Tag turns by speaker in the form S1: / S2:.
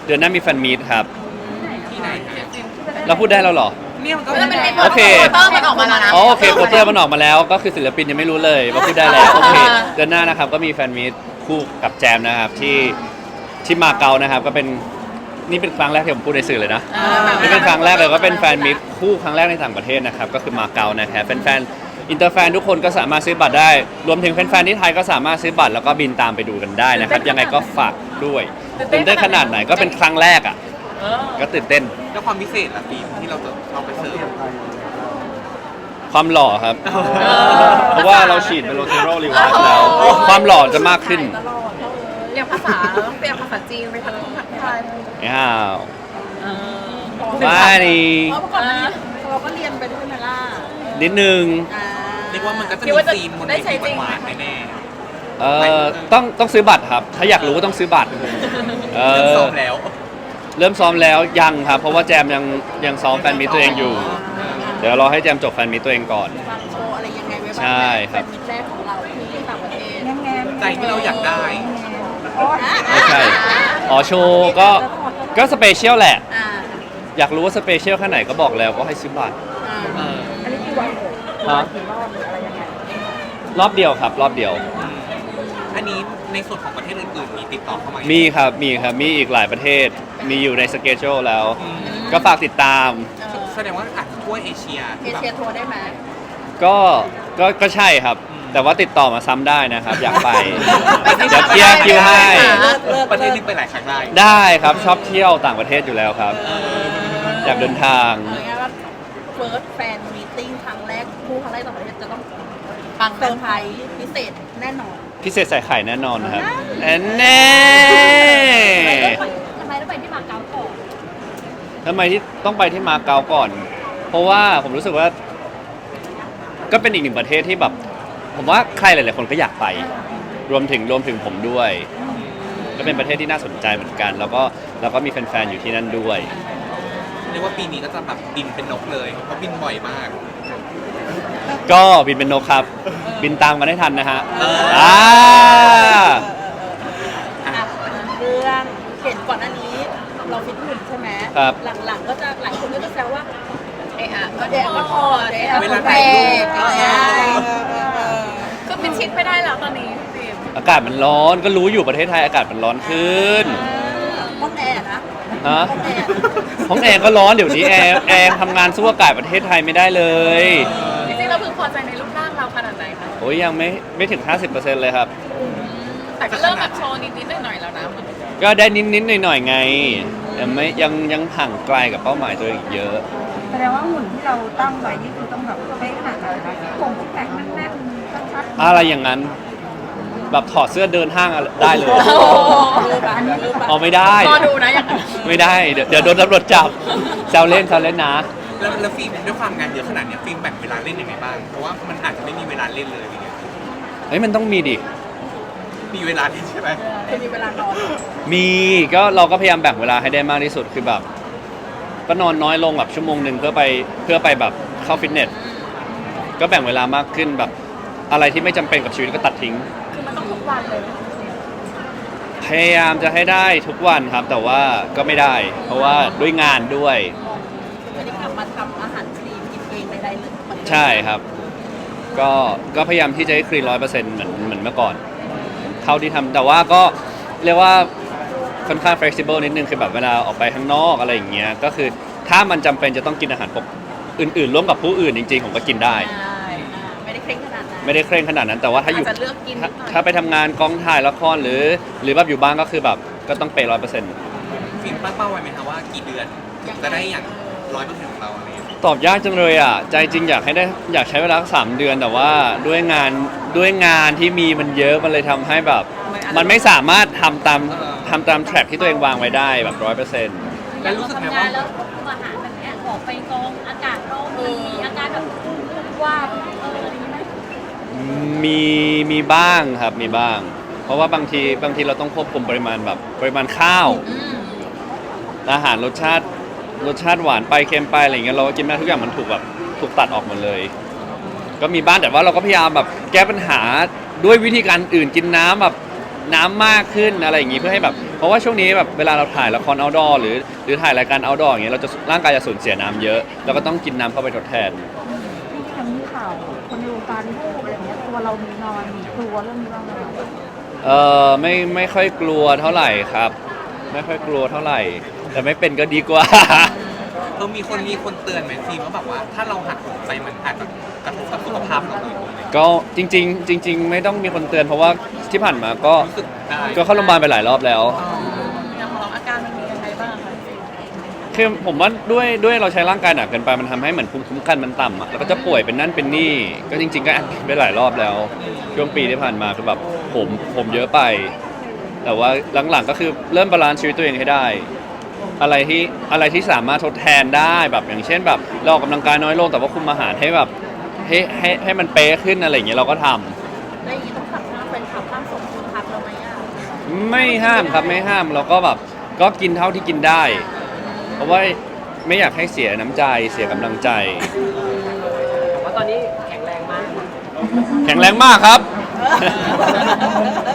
S1: เดือนหน้ามีแฟนมีตครับ
S2: ที่ไหนคะ
S1: เราพูดได้แล้วเหรอ
S2: เนี่ยมันก็
S3: แล้วมันเป็น
S1: โอเค
S3: โปสเตอร์มันออกมาแล้วนะ
S1: อ๋อโอเคโปสเตอร์มันออกมาแล้วก็คือศิลปินยังไม่รู้เลยว่าพูดได้แล้วโอเคเดือนหน้านะครับก็มีแฟนมีตคู่กับแจมนะครับที่มาเก๊านะครับก็เป็นนี่เป็นครั้งแรกที่ผมพูดในสื่อเลยนะนี่เป็นครั้งแรกเลยก็เป็นแฟนมีตคู่ครั้งแรกในต่างประเทศนะครับก็คือมาเก๊านะครับแฟนๆอินเตอร์แฟนทุกคนก็สามารถซื้อบัตรได้รวมถึงแฟนๆที่ไทยก็สามารถซื้อบัตรแล้วก็บินตามไปดูกันได้นะครับยังไงก็ฝากด้วยตื่นเต้นขนาดไหนก็เป็นครั้งแรกอ่ะก็ตื่นเต้น
S2: แล้วความพิเศษล่ะฟิล์มที่เราจะเอาไปเสิร์ฟ
S1: ความหล่อครับ เพราะว่าเราฉีดเมโลเทโรรีวาร์สแล้ว ความหล่อจะมากขึ้น
S3: ตลอดเรียนภาษาต้องเรียนภาษาจีนไปทั้งภาษาไทย
S1: อ้าวไม่นี่
S3: เพราะเมื่อก่อนเราก็เรียนไปด้วยไหมล่ะ
S1: นิดนึง
S2: เรียกว่ามันก็จะ
S3: คิ
S2: มี
S3: ดว่าจะ
S2: ซีนบน
S3: ได้
S2: เว
S3: ใช้
S2: ที
S3: จริง
S2: หวานๆแน่
S1: ต้องซื้อบัตรครับ ถ้าอยากรู้ก็ต้องซื้อบัตรเอ
S2: ๆเริ่ม
S1: อ
S2: ซ้อมแล้ว
S1: เริ่มซ้อมแล้วยังครับ เพราะว่าแจมยังซ้อมแฟนมีตตัวเองอยู่ เดี๋ยวรอให้แจมจบแฟนมีตตัวเองก่อน
S3: วางโชว์อะไรยังไงไว้บ้าง
S1: ใช่ครับ
S3: เป็นมิตรแรกของเราที่ต่างประเทศ
S2: ใจที่เราอยากได้
S1: ไม่ใช่อ๋อโชว์ก็สเปเชียลแหละ
S3: อ่า
S1: อยากรู้ว่าสเปเชียลแค่ไหนก็บอกแล้วก็ให้ซื้อบัตร
S2: เออ
S1: ฮะรอบเดียวครับ รอบเดียว
S2: อันนี้ในส่วนของประเทศอื่นๆมีติดต่อเข้ามา
S1: มี
S2: มี
S1: ครับ มีครับ มีอีกหลายประเทศ มีอยู่ในสเกจ u แล้ว ก็ฝากติดตาม
S2: แสดงว่าอาจจะทั่วเอเชีย
S3: เอ
S2: ที่แบบ
S3: เชียทัวร์ได้ไหม
S1: ก็ใช่ครับ แต่ว่าติดต่อมาซ้ำได้นะครับ อยากไป เดี๋ยวเคลียร์คิวให้
S2: ประเทศนึงไปหลายครั้งได้
S1: ได้ครับ ชอบเที่ยวต่างประเทศอยู่แล้วครับ อยากเดินทาง
S3: เอาง่ายๆว่าเฟิร์สแฟนมีติ้งครั้งแรกคู่ครั้งแรกต่างประเทศจะต้องปังเซอร์ไพรส์พิเศษแน่นอน
S1: พิเศษใส่ไข่แน่นอนนะครับแน่
S3: ทำไมต้องไปที่มาเก๊าก่อน
S1: ทำไมที่ต้องไปที่มาเก๊าก่อน เพราะว่าผมรู้สึกว่า ก็เป็นอีกหนึ่งประเทศที่แบบ ผมว่าใครหลายๆคนก็อยากไป รวมถึงผมด้วย ก็เป็นประเทศที่น่าสนใจเหมือนกัน แล้วก็มีแฟนๆอยู่ที่นั่นด้วย
S2: เรียกว่าปีนี้ก็จะแบบบินเป็นนกเลยเพราะบินบ่อยมาก
S1: ก็บินเป็นนกครับ บินตามกันให้ทันนะฮะ
S2: เออ
S1: อ่า
S3: อ่ะเรื่องเห็นก่อนหน้านี้เราฟิตหุ่นใช่ไหม
S1: ครับ
S3: หลังๆก็จะหลายคนก็จะแซวว่าเอะอะก็เดะก็พอเดะ
S2: เวลา
S3: แพ
S2: ถ่ายรูป
S3: งอะไรอย่างเงี้ย
S4: คือเป็นชิดไม่ได้แล้วตอนนี้พี่ฟิล์ม
S1: อากาศมันร้อน ก็รู้อยู่ประเทศไทยอากาศมันร้อนขึ้น
S3: ห้องแอร์นะ
S1: ฮะ
S3: ห้องแอร์
S1: ห้องแอร์ก็ร้อนเดี๋ยวนี้แอร์ทำงานสู้อากาศประเทศไทยไม่ได้เลย
S4: จริงๆเราพึงพอใจในรูปร่างเราขนาดไหนคะ
S1: โอ้ยยังไม่ถึง 50%เลยครับ
S4: แต่ก็เริ่มแบบโชว์นิดๆหน่อยๆแล้วนะมัน
S1: ก็ได้นิดๆหน่อยๆไงแต่ไม่ยังห่างไกลกับเป้าหมายตัวเองอีกเยอะ
S5: แสดงว่าหุ่นที่เราตั้งไว้นี่คือต้องแบบเป๊ะขนาดไหนคะผมแข็งแน่นๆชัด
S1: อะไรอย่างนั้น แบบถอดเสื้อเดินห้างอะไรได้เลย
S5: ๆอันนี้
S1: เอาไม่ได้
S4: รอดูนะอย่างนั้น
S1: ไม่ได้เดี๋ยวโดนตำรวจจับแซวเล่นนะ
S2: แล้วฟิล์มด้วยความงานเยอะขนาดเนี้ยฟิล์มแบ่งเวลาเล่นยังไงบ้าง เพราะว่ามันอาจจะไม่มีเวลาเล่นเลยอะไรเงี้ย
S1: เฮ้ยมันต้องมีดิ
S2: มีเวลาเล่นใช่ไหม
S3: คือมีเวลานอน
S1: มีก็เราก็พยายามแบ่งเวลาให้ได้มากที่สุดคือแบบ ก็นอนน้อยลงแบบชั่วโมงหนึ่งเพื่อไปแบบเข้าฟิตเนส ก็แบ่งเวลามากขึ้นแบบอะไรที่ไม่จำเป็นกับชีวิตก็ตัดทิ้ง
S4: คือมันต้องทุกวันเลย
S1: พยายามจะให้ได้ทุกวันครับ แต่ว่าก็ไม่ได้ เพราะว่าด้วยงานด้วย
S3: วันนี้กลับมาทำอาหารคลีนกินเองใดๆเลยเหมือนเดิม
S1: ใช่ครับ ก็พยายามที่จะให้คลีน100%เหมือนเมื่อก่อน เท่าที่ทำแต่ว่าก็เรียกว่าค่อนข้าง flexible นิดนึงคือแบบเวลาออกไปข้างนอกอะไรอย่างเงี้ยก็คือถ้ามันจำเป็นจะต้องกินอาหารปกอื่นๆร่วมกับผู้อื่นจริงๆผมก็กินได้
S3: ใช่ไม่ได้เคร่งขนาดนั้น
S1: ไม่ได้เคร่งขนาดนั้นแต่ว่าถ้าอยู่
S3: อาจจะเลือกกินนิดหน่อย
S1: ถ้าไปทำงานกองถ่ายละครหรือแบบอยู่บ้านก็คือแบบก็ต้องเปย์100%
S2: ฟิล์มตั้งเป้าไว้ไหมคะว่ากี่เดือนถึงจะได้อย่าง100%ของเราอะไรเงี้ย
S1: ตอบยากจังเลยอ่ะใจจริงอยากใช้เวลาสัก3 เดือนแต่ว่าด้วยงานที่มีมันเยอะมันเลยทำให้แบบ มันไม่สามารถทำตามแทร็กที่ตัวเองวางไว้ได้แบบ100%
S2: แล้วรู้สึกไหมว่า
S6: แล้วควบคุมอาหารแบบเนี้ยออกไปกองอากาศร้อนมันมีอาการแบบว่าอะไรอย่างนี้ไหม
S1: มีบ้างครับมีบ้าง เพราะว่าบางทีเราต้องควบคุมปริมาณข้าว อาหารรสชาติหวานไปเค็มไปอะไรอย่างเงี้ยเราก็กินไม่ได้ทุกอย่างมันถูกตัดออกหมดเลย ก็มีบ้างแต่ว่าเราก็พยายามแบบแก้ปัญหาด้วยวิธีการอื่นกินน้ำแบบน้ำมากขึ้นอะไรอย่างงี้เพื่อให้แบบเพราะว่าช่วงนี้แบบเวลาเราถ่ายละคร outdoor หรือถ่ายรายการ outdoor อย่างเงี้ยเราจะร่างกายจะสูญเสียน้ำเยอะเราก็ต้องกินน้ำเข้าไปทดแทน
S5: ที่ทำข่าวคนในวงการพูดอะไรเงี้ยตัวเรามีนอนมีกลัวเรื่องนี้บ้างไหม
S1: ไม่ค่อยกลัวเท่าไหร่ครับ ไม่ค่อยกลัวเท่าไหร่ แต่ไม่เป็นก็ดีกว่า
S2: มีคนเตือนไหมฟิล์มว่าแบบว่าถ้าเราหักโหมไปมันอาจจะกระทบกับสุขภาพเราเลย
S1: ก็จริง ๆ ไม่ต้องมีคนเตือนเพราะว่าที่ผ่านมาก็
S2: รู้สึกได้
S1: ก็เข้าโรงพยาบาลไปหลายรอบแล้ว
S4: อย่างของเราอาการมันมียังไงบ้างคะฟิล์ม
S1: คือผมว่าด้วยเราใช้ร่างกายหนักเกินไปมันทำให้เหมือนภูมิคุ้มกันมันต่ำอะแล้วก็จะป่วยเป็นนั่นเป็นนี่ก็จริง ๆ ก็แอดมิทไปหลายรอบแล้ว ช่วงปีที่ผ่านมาคือแบบผมเยอะไป แต่ว่าหลังๆก็คือเริ่มบาลานซ์ชีวิตตัวเองให้ได้ อะไรที่สามารถทดแทนได้แบบอย่างเช่นแบบเราออกกำลังกายน้อยลงแต่ว่าคุมอาหารให้แบบให้มันเป๊ะขึ้นอะไรอย่างเงี้ยเราก็ทำ
S3: ได้ยินต้องขับห้ามเป็นขับห้ามส่งคุณพักเราไหมอ่ะ
S1: ไม่ห้ามครับไม่ห้ามเราก็แบบก็กินเท่าที่กินได้ เพราะว่าไม่อยากให้เสียน้ำใจเสียกำลังใจ
S7: ว่าตอนนี้แข็งแรงมาก
S1: แข็งแรงมากครับ